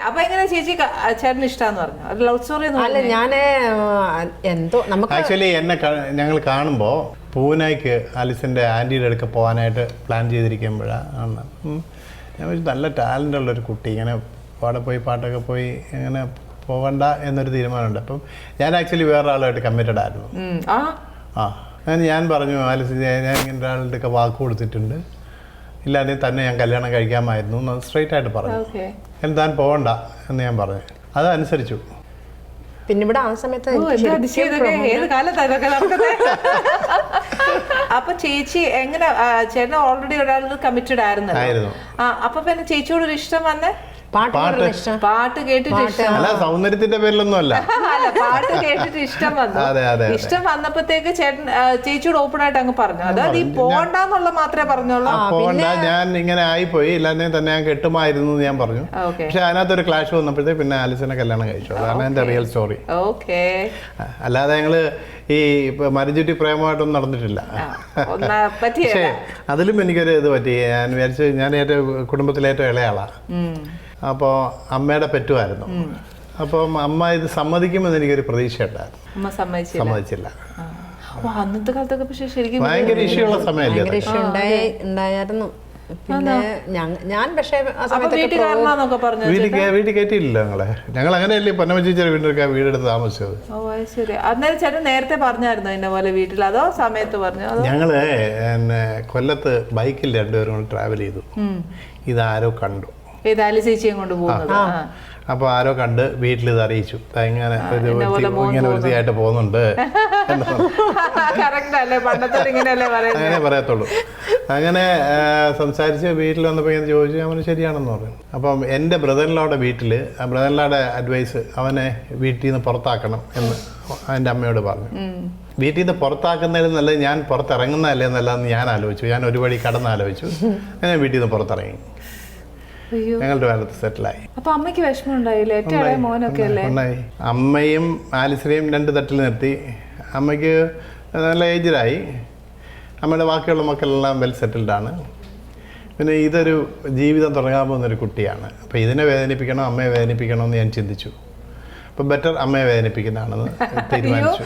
അപ്പൊ എങ്ങനെ ചേച്ചി ചേട്ടന് ഇഷ്ടാന്ന് പറഞ്ഞു? ലവ് സ്റ്റോറി അല്ല, ഞാന് എന്തോ നമുക്ക് ആക്ച്വലി എന്നെ ഞങ്ങൾ കാണുമ്പോൾ പൂനെക്ക് ആലിസിൻ്റെ ആൻറ്റിയുടെ അടുക്ക പോകാനായിട്ട് പ്ലാൻ ചെയ്തിരിക്കുമ്പോഴാണ് ഞാൻ നല്ല ടാലൻ്റ് ഉള്ളൊരു കുട്ടി, ഇങ്ങനെ അവിടെ പോയി പാട്ടൊക്കെ പോയി ഇങ്ങനെ പോകണ്ട എന്നൊരു തീരുമാനമുണ്ട്. അപ്പം ഞാൻ ആക്ച്വലി വേറൊരാളുമായിട്ട് കമ്മിറ്റഡ് ആയിരുന്നു. ഞാൻ പറഞ്ഞു ആലിസ്, ഞാൻ ഇങ്ങനെ ഒരാളുടെ ഒക്കെ വാക്ക് കൊടുത്തിട്ടുണ്ട്, ഇല്ലാതെ തന്നെ ഞാൻ കല്യാണം കഴിക്കാമായിരുന്നു എന്ന് സ്ട്രെയിറ്റ് ആയിട്ട് പറഞ്ഞു. താൻ പോകണ്ട എന്ന് ഞാൻ പറഞ്ഞു. അതനുസരിച്ചു. പിന്നെ ഇവിടെ ആ സമയത്ത് അപ്പൊ ചേച്ചി എങ്ങനെ, ചേട്ടൻ ഓൾറെഡി ഒരാൾ കമ്മിറ്റഡ് ആയിരുന്നു. അപ്പൊ പിന്നെ ചേച്ചിയോട് ഒരു ഇഷ്ടം വന്നേ പാട്ട് കേട്ടിട്ട് അല്ല, സൗന്ദര്യത്തിന്റെ പേരിലൊന്നും അല്ല, പാട്ട് കേട്ടിട്ട് ഇഷ്ടം വന്നു. ഇഷ്ടം വന്നപ്പോഴത്തേക്ക് ചേട്ടൻ ചേച്ചിയോട് ഓപ്പൺ ആയിട്ട് അങ്ങ് പറഞ്ഞു. അതായത് ഈ പോകണ്ടെന്നുള്ള മാത്രമേ പറഞ്ഞോളൂ. പോകണ്ട, ഞാൻ ഇങ്ങനെ ആയിപ്പോയി, ഇല്ലാതെ തന്നെ ഞാൻ കെട്ടുമായിരുന്നു എന്ന് ഞാൻ പറഞ്ഞു. പക്ഷെ അതിനകത്തൊരു ക്ലാഷ് വന്നപ്പോഴത്തേക്ക് പിന്നെ ആലിസിനെ കല്യാണം കഴിച്ചു. അതാണ് എന്റെ റിയൽ സ്റ്റോറി. അല്ലാതെ ഞങ്ങള് ഈ മരിചുറ്റി പ്രേമമായിട്ടൊന്നും നടന്നിട്ടില്ല. പക്ഷേ അതിലും എനിക്കൊരു ഇത് പറ്റി. ഞാൻ വിചാരിച്ചു, ഞാൻ ഏറ്റവും കുടുംബത്തിലെ ഏറ്റവും ഇളയാളാ. അപ്പോൾ അമ്മയുടെ പെറ്റുമായിരുന്നു. അപ്പം അമ്മ ഇത് സമ്മതിക്കുമെന്ന് എനിക്കൊരു പ്രതീക്ഷ ഉണ്ടായിരുന്നു. സമ്മതിച്ചില്ല. ഭയങ്കര ഇഷ്യൂ ഉള്ള സമയമല്ലേ ഉണ്ടായിരുന്നു. പിന്നെ ഞാൻ പക്ഷേ വീട്ടിൽ കയറ്റിയില്ല ഞങ്ങൾ അങ്ങനെയല്ലേ പൊന്നമ്മച്ചേച്ചിയുടെ വീട്ടിലൊക്കെ വീടെടുത്ത് താമസിച്ചത്. നേരത്തെ പറഞ്ഞായിരുന്നു എന്നെ പോലെ വീട്ടിൽ, അതോ സമയത്ത് പറഞ്ഞു? ഞങ്ങള് കൊല്ലത്ത് ബൈക്കിൽ രണ്ടുപേരും ട്രാവൽ ചെയ്തു. ഇതാരോ കണ്ടു, ചേച്ചിയും കൊണ്ട് പോകുന്നത്. അപ്പൊ ആരോ കണ്ട് വീട്ടിൽ ഇത് അറിയിച്ചു, ഇങ്ങനെ ഇങ്ങനെ വൃത്തിയായിട്ട് പോകുന്നുണ്ട്. അങ്ങനെ പറയത്തുള്ളൂ. അങ്ങനെ സംസാരിച്ച് വീട്ടിൽ വന്നപ്പോൾ ഇങ്ങനെ ചോദിച്ചു. അവന് ശരിയാണെന്ന് പറഞ്ഞു. അപ്പം എൻ്റെ ബ്രദറിനോടെ വീട്ടില് ബ്രദറിനോടെ അഡ്വൈസ്, അവനെ വീട്ടിൽ നിന്ന് പുറത്താക്കണം എന്ന് എൻ്റെ അമ്മയോട് പറഞ്ഞു. വീട്ടിൽ നിന്ന് പുറത്താക്കുന്നതിൽ നല്ലത് ഞാൻ പുറത്തിറങ്ങുന്നതല്ലേ എന്നല്ലാന്ന് ഞാൻ ആലോചിച്ചു. ഞാൻ ഒരു വഴി കടന്നാലോചിച്ചു. ഞാൻ വീട്ടിൽ നിന്ന് പുറത്തിറങ്ങി. ഞങ്ങളുടെ കാലത്ത് സെറ്റിലായി. അപ്പൊ അമ്മയ്ക്ക് വിഷമം ഉണ്ടായില്ലേ? ഉണ്ടായി. അമ്മയും ആലിസിനെയും രണ്ട് തട്ടിൽ നിർത്തി. അമ്മയ്ക്ക് നല്ല ഏജിലായി. അമ്മയുടെ ബാക്കിയുള്ള മക്കളെല്ലാം വെൽ സെറ്റിൽഡാണ്. പിന്നെ ഇതൊരു ജീവിതം തുടങ്ങാൻ പോകുന്നൊരു കുട്ടിയാണ്. അപ്പോൾ ഇതിനെ വേദനിപ്പിക്കണോ അമ്മയെ വേദനിപ്പിക്കണോ എന്ന് ഞാൻ ചിന്തിച്ചു. അപ്പോൾ ബെറ്റർ അമ്മയെ വേദനിപ്പിക്കുന്നതാണെന്ന് തീരുമാനിച്ചു.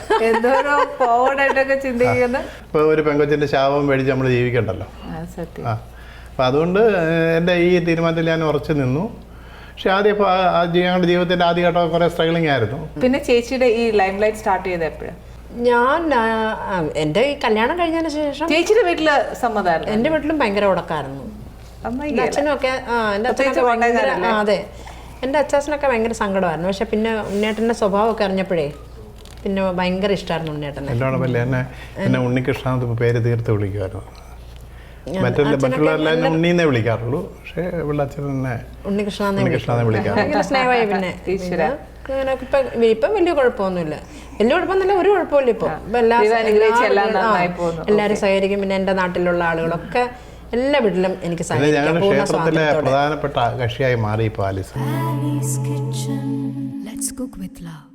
ഇപ്പോൾ ഒരു പെങ്കൊച്ചിൻ്റെ ശാപം മേടിച്ച് നമ്മൾ ജീവിക്കണ്ടല്ലോ. അപ്പം അതുകൊണ്ട് എൻ്റെ ഈ തീരുമാനത്തിൽ ഞാൻ ഉറച്ചു നിന്നു. പക്ഷെ ആദ്യം ഇപ്പോൾ ഞങ്ങളുടെ ജീവിതത്തിൻ്റെ ആദ്യഘട്ടം കുറേ സ്ട്രഗിളിംഗ് ആയിരുന്നു. പിന്നെ ചേച്ചിയുടെ ഈ ലൈം ലൈറ്റ് സ്റ്റാർട്ട് ചെയ്ത് എപ്പോഴാണ്? ഞാൻ എൻ്റെ ഈ കല്യാണം കഴിഞ്ഞതിന് ശേഷം ചേച്ചിയുടെ വീട്ടില് സമ്മതമായിരുന്നു. എൻ്റെ വീട്ടിലും ഭയങ്കര ഉടക്കായിരുന്നു. അച്ഛനും ഒക്കെ എൻ്റെ അച്ഛനൊക്കെ ഭയങ്കര അതെ, എൻ്റെ അച്ഛനൊക്കെ ഭയങ്കര സങ്കടമായിരുന്നു. പക്ഷെ പിന്നെ ഉണ്ണേട്ടൻ്റെ സ്വഭാവമൊക്കെ അറിഞ്ഞപ്പോഴേ പിന്നെ ഭയങ്കര ഇഷ്ടമായിരുന്നു ഉണ്ണേട്ടനെ. എന്നോടൊപ്പല്ലേ എന്നെ ഉണ്ണികൃഷ്ണ പേര് തീർത്ത് വിളിക്കുമായിരുന്നു. മറ്റുള്ളവരെല്ലാം ഉണ്ണീന്നേ വിളിക്കാറുള്ളൂ. പക്ഷേ ഇവിടെ അച്ഛൻ തന്നെ ഉണ്ണികൃഷ്ണനെ വിളിക്കാറുള്ളൂ. സ്നേഹമായി. പിന്നെ ഇപ്പം വലിയ കുഴപ്പമൊന്നുമില്ല. വലിയ കുഴപ്പമൊന്നുമില്ല, ഒരു കുഴപ്പമില്ല. ഇപ്പൊ എല്ലാവരും സഹകരിക്കും. പിന്നെ എൻ്റെ നാട്ടിലുള്ള ആളുകളൊക്കെ എല്ലാ വീട്ടിലും എനിക്ക് സഹകരിക്കാം. ക്ഷേത്രത്തിലെ പ്രധാനപ്പെട്ട കക്ഷിയായി മാറി ഇപ്പോൾ ആലിസ്.